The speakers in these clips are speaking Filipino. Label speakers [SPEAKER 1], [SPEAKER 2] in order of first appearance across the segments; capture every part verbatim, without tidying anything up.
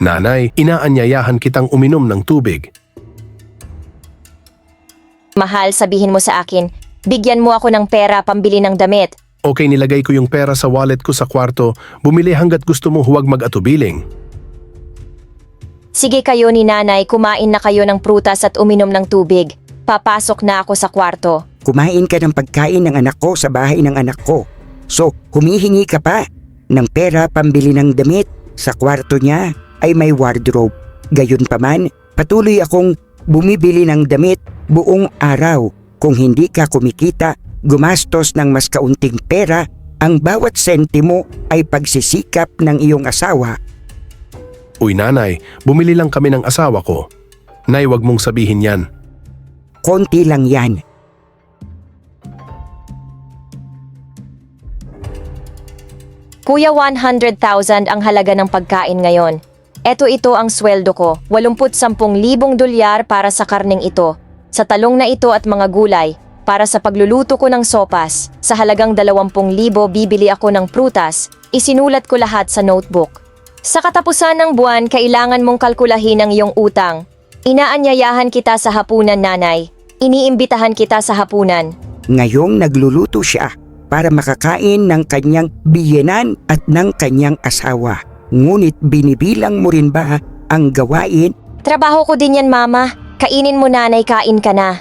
[SPEAKER 1] Nanay, inaanyayahan kitang uminom ng tubig.
[SPEAKER 2] Mahal, sabihin mo sa akin, bigyan mo ako ng pera pambili ng damit.
[SPEAKER 1] Okay, nilagay ko yung pera sa wallet ko sa kwarto. Bumili hanggat gusto mo, huwag mag-atubiling.
[SPEAKER 2] Sige kayo ni nanay, kumain na kayo ng prutas at uminom ng tubig. Papasok na ako sa kwarto.
[SPEAKER 3] Kumain ka ng pagkain ng anak ko sa bahay ng anak ko. So, humihingi ka pa ng pera pambili ng damit. Sa kwarto niya ay may wardrobe. Gayunpaman, patuloy akong bumibili ng damit buong araw. Kung hindi ka kumikita, gumastos ng mas kaunting pera, ang bawat sentimo ay pagsisikap ng iyong asawa.
[SPEAKER 1] Uy nanay, bumili lang kami ng asawa ko. Nay, wag mong sabihin yan.
[SPEAKER 3] Konti lang yan.
[SPEAKER 2] Kuya, one hundred thousand ang halaga ng pagkain ngayon. Eto ito ang sweldo ko, eighty thousand dolyar para sa karning ito, sa talong na ito at mga gulay, para sa pagluluto ko ng sopas, sa halagang twenty thousand bibili ako ng prutas, isinulat ko lahat sa notebook. Sa katapusan ng buwan, kailangan mong kalkulahin ang iyong utang. Inaanyayahan kita sa hapunan, nanay. Iniimbitahan kita sa hapunan.
[SPEAKER 3] Ngayong nagluluto siya para makakain ng kanyang biyenan at ng kanyang asawa. Ngunit binibilang mo rin ba ang gawain?
[SPEAKER 2] Trabaho ko din yan, mama. Kainin mo, nanay, kain ka na.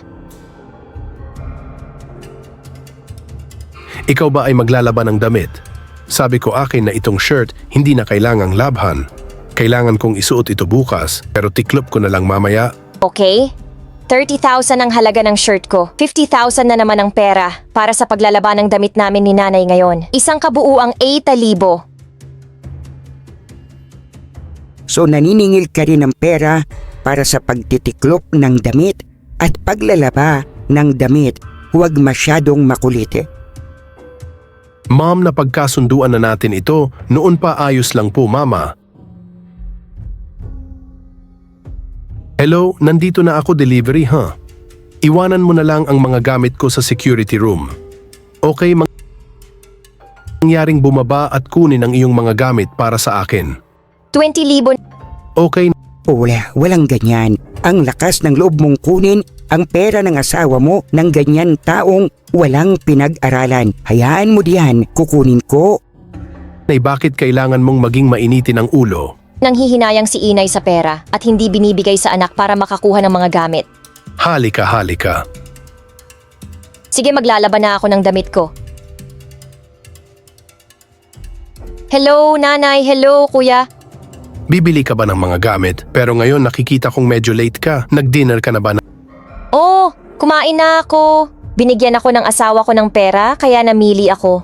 [SPEAKER 1] Ikaw ba ay maglalaban ng damit? Sabi ko akin na itong shirt hindi na kailangang labhan. Kailangan kong isuot ito bukas, pero tiklop ko na lang mamaya.
[SPEAKER 2] Okay? thirty thousand ang halaga ng shirt ko. fifty thousand na naman ang pera para sa paglalaban ng damit namin ni nanay ngayon. Isang kabuuang eighty thousand.
[SPEAKER 3] So naniningil ka rin ng pera para sa pagtitiklop ng damit at paglalaba ng damit. Huwag masyadong makulit.
[SPEAKER 1] Ma'am, napagkasunduan na natin ito. Noon pa ayos lang po, mama. Hello, nandito na ako, delivery, ha? Huh? Iwanan mo na lang ang mga gamit ko sa security room. Okay, mang- mangyaring bumaba at kunin ang iyong mga gamit para sa akin.
[SPEAKER 2] twenty thousand.
[SPEAKER 1] Okay.
[SPEAKER 3] Wala, walang ganyan. Ang lakas ng loob mong kunin ang pera ng asawa mo ng ganyan taong walang pinag-aralan. Hayaan mo diyan, kukunin ko.
[SPEAKER 1] Nay, bakit kailangan mong maging mainitin ang ulo?
[SPEAKER 2] Nanghihinayang si inay sa pera at hindi binibigay sa anak para makakuha ng mga gamit.
[SPEAKER 1] Halika, halika.
[SPEAKER 2] Sige, maglalaban na ako ng damit ko. Hello, nanay. Hello, kuya.
[SPEAKER 1] Bibili ka ba ng mga gamit? Pero ngayon nakikita kong medyo late ka. Nag-dinner ka na ba? Na-
[SPEAKER 2] Oh, kumain na ako. Binigyan ako ng asawa ko ng pera, kaya namili ako.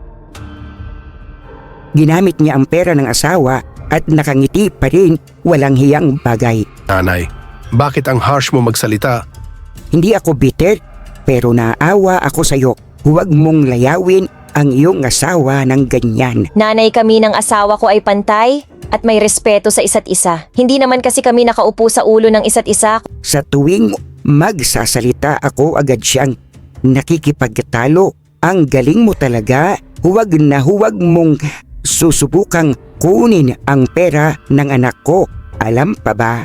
[SPEAKER 3] Ginamit niya ang pera ng asawa at nakangiti pa rin, walang hiyang bagay.
[SPEAKER 1] Nanay, bakit ang harsh mo magsalita?
[SPEAKER 3] Hindi ako bitter, pero naawa ako sa iyo. Huwag mong layawin ang iyong asawa ng ganyan.
[SPEAKER 2] Nanay, kami ng asawa ko ay pantay at may respeto sa isa't isa. Hindi naman kasi kami nakaupo sa ulo ng isa't isa.
[SPEAKER 3] Sa tuwing magsasalita ako, agad siyang nakikipagtalo. Ang galing mo talaga. Huwag na huwag mong susubukang kunin ang pera ng anak ko. Alam pa ba?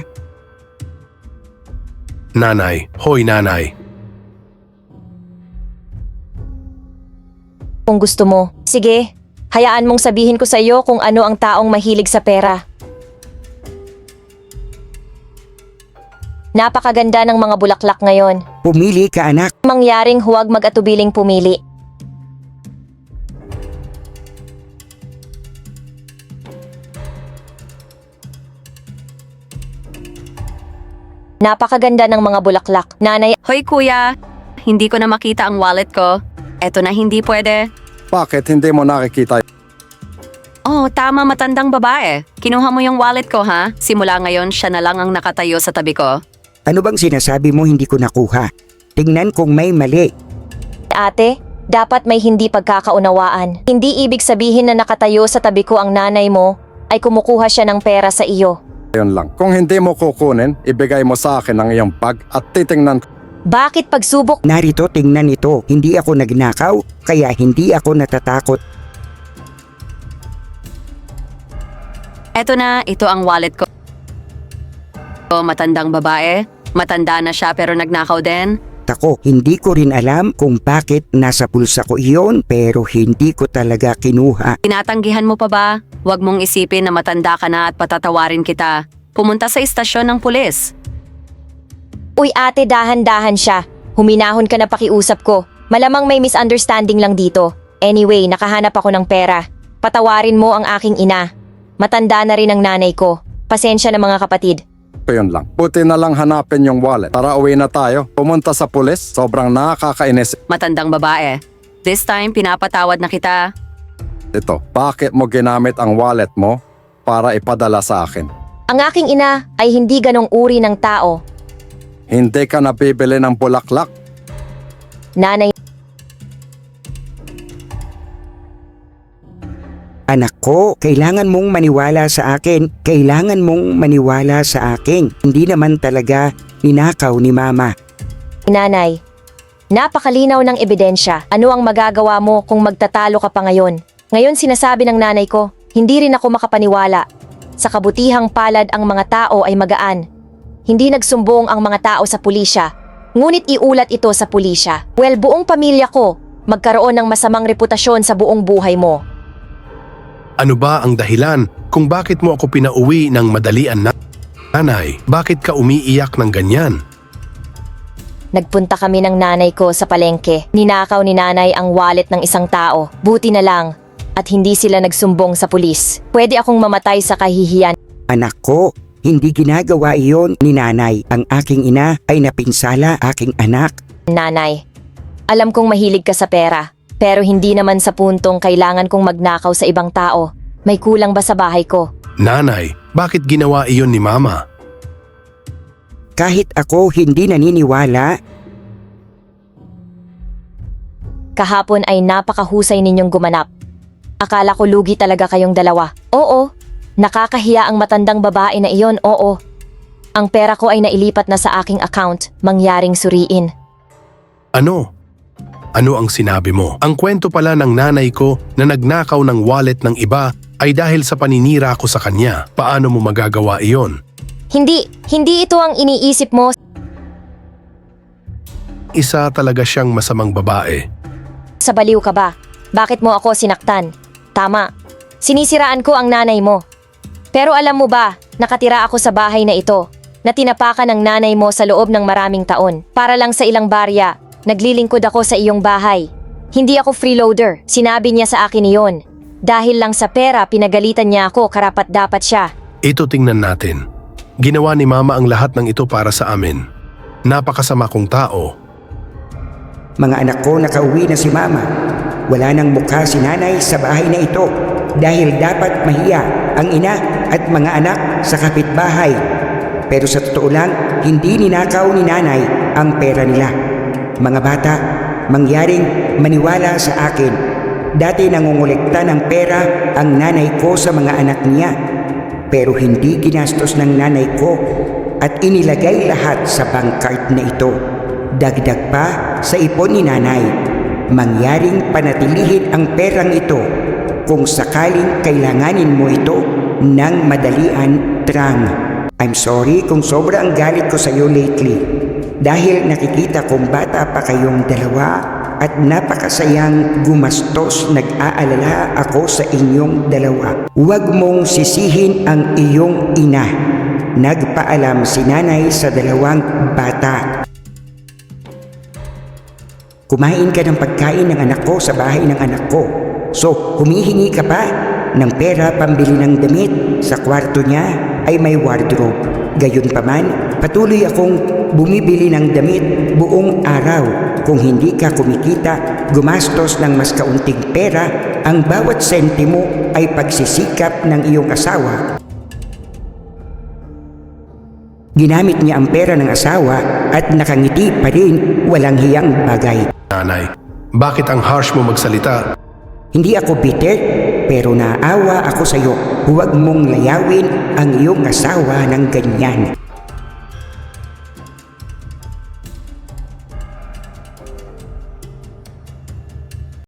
[SPEAKER 1] Nanay, hoy nanay.
[SPEAKER 2] Kung gusto mo, sige, hayaan mong sabihin ko sa iyo kung ano ang taong mahilig sa pera. Napakaganda ng mga bulaklak ngayon.
[SPEAKER 3] Pumili ka, anak.
[SPEAKER 2] Mangyaring huwag mag-atubiling pumili. Napakaganda ng mga bulaklak. Nanay,
[SPEAKER 4] Hoy kuya, hindi ko na makita ang wallet ko. Eto na hindi pwede.
[SPEAKER 5] Bakit hindi mo nakikita?
[SPEAKER 4] Oh, tama, matandang babae. Kinuha mo yung wallet ko, ha? Simula ngayon, siya na lang ang nakatayo sa tabi ko.
[SPEAKER 3] Ano bang sinasabi mo hindi ko nakuha? Tingnan kung may mali.
[SPEAKER 2] ate, dapat may hindi pagkakaunawaan. Hindi ibig sabihin na nakatayo sa tabi ko ang nanay mo ay kumukuha siya ng pera sa iyo.
[SPEAKER 5] Yun lang. Kung hindi mo kukunin, ibigay mo sa akin ang iyong bag at titingnan ko.
[SPEAKER 2] Bakit pagsubok?
[SPEAKER 3] Narito, tingnan ito. Hindi ako nagnakaw, kaya hindi ako natatakot.
[SPEAKER 4] Eto na, ito ang wallet ko. O, matandang babae. Matanda na siya pero nagnakaw din.
[SPEAKER 3] Ako, hindi ko rin alam kung bakit nasa bulsa ko iyon pero hindi ko talaga kinuha.
[SPEAKER 4] Tinatanggihan mo pa ba? Huwag mong isipin na matanda ka na at patatawarin kita. Pumunta sa istasyon ng pulis.
[SPEAKER 2] Uy ate, dahan-dahan siya. Huminahon ka na pakiusap ko. Malamang may misunderstanding lang dito. Anyway, nakahanap ako ng pera. Patawarin mo ang aking ina. Matanda na rin ang nanay ko. Pasensya na mga kapatid.
[SPEAKER 5] Yun lang. Buti na lang hanapin yung wallet. Tara, uwi na tayo. Pumunta sa pulis. Sobrang nakakainis.
[SPEAKER 4] Matandang babae. This time, pinapatawad na kita.
[SPEAKER 5] Ito, bakit mo ginamit ang wallet mo para ipadala sa akin?
[SPEAKER 2] Ang aking ina ay hindi ganong uri ng tao.
[SPEAKER 5] Hindi ka nabibili ng bulaklak.
[SPEAKER 2] Nanay,
[SPEAKER 3] Anak ko, kailangan mong maniwala sa akin. Kailangan mong maniwala sa akin. Hindi naman talaga ninakaw ni Mama.
[SPEAKER 2] nanay. Napakalinaw ng ebidensya. Ano ang magagawa mo kung magtatalo ka pa ngayon? Ngayon sinasabi ng nanay ko, hindi rin ako makapaniwala. Sa kabutihang palad ang mga tao ay magaan. Hindi nagsumbong ang mga tao sa pulisya. Ngunit iulat ito sa pulisya. Well, buong pamilya ko magkaroon ng masamang reputasyon sa buong buhay mo.
[SPEAKER 1] Ano ba ang dahilan kung bakit mo ako pinauwi ng madalian na? Nanay, bakit ka umiiyak ng ganyan?
[SPEAKER 2] Nagpunta kami ng nanay ko sa palengke. Ninakaw ni nanay ang wallet ng isang tao. Buti na lang at hindi sila nagsumbong sa pulis. Pwede akong mamatay sa kahihiyan.
[SPEAKER 3] Anak ko, hindi ginagawa iyon ni Nanay. Ang aking ina ay napinsala aking anak.
[SPEAKER 2] Nanay, alam kong mahilig ka sa pera. Pero hindi naman sa puntong kailangan kong magnakaw sa ibang tao. May kulang ba sa bahay ko?
[SPEAKER 1] Nanay, bakit ginawa iyon ni Mama?
[SPEAKER 3] Kahit ako hindi naniniwala,
[SPEAKER 2] Kahapon ay napakahusay ninyong gumanap. Akala ko lugi talaga kayong dalawa. Oo, nakakahiya ang matandang babae na iyon, oo. Ang pera ko ay nailipat na sa aking account, mangyaring suriin.
[SPEAKER 1] Ano? Ano ang sinabi mo? Ang kwento pala ng nanay ko na nagnakaw ng wallet ng iba ay dahil sa paninira ko sa kanya. Paano mo magagawa iyon?
[SPEAKER 2] Hindi, hindi ito ang iniisip mo.
[SPEAKER 1] Isa talaga siyang masamang babae.
[SPEAKER 2] Sa baliw ka ba? Bakit mo ako sinaktan? Tama, sinisiraan ko ang nanay mo. Pero alam mo ba, nakatira ako sa bahay na ito, na tinapakan ng nanay mo sa loob ng maraming taon. Para lang sa ilang barya, naglilingkod ako sa iyong bahay. Hindi ako freeloader, sinabi niya sa akin iyon. Dahil lang sa pera, pinagalitan niya ako, karapat dapat siya.
[SPEAKER 1] Ito tingnan natin. Ginawa ni Mama ang lahat ng ito para sa amin. Napakasama kong tao.
[SPEAKER 3] mga anak ko nakauwi na si Mama. Wala nang mukha si Nanay sa bahay na ito dahil dapat mahiya ang ina at mga anak sa kapitbahay. Pero sa totoo lang, hindi ninakaw ni Nanay ang pera nila. Mga bata, mangyaring maniwala sa akin. Dati nangungulekta ng pera ang nanay ko sa mga anak niya. Pero hindi ginastos ng nanay ko at inilagay lahat sa bank card na ito. Dagdag pa sa ipon ni Nanay. Mangyaring panatilihin ang perang ito kung sakaling kailanganin mo ito ng madalian, Trang. I'm sorry kung sobra ang galit ko sa iyo lately. Dahil nakikita kong bata pa kayong dalawa at napakasayang gumastos, nag-aalala ako sa inyong dalawa. Huwag mong sisihin ang iyong ina. Nagpaalam si Nanay sa dalawang bata. Kumain ka ng pagkain ng anak ko sa bahay ng anak ko. So, humihingi ka pa ng pera pambili ng damit. Sa kwarto niya ay may wardrobe. Gayunpaman, patuloy akong bumibili ng damit buong araw. Kung hindi ka kumikita, gumastos ng mas kaunting pera, ang bawat sentimo ay pagsisikap ng iyong asawa. Ginamit niya ang pera ng asawa at nakangiti pa rin, walang hiyang bagay.
[SPEAKER 1] Nanay, bakit ang harsh mo magsalita?
[SPEAKER 3] Hindi ako bitter, pero naawa ako sa iyo. Huwag mong layawin ang iyong asawa ng ganyan.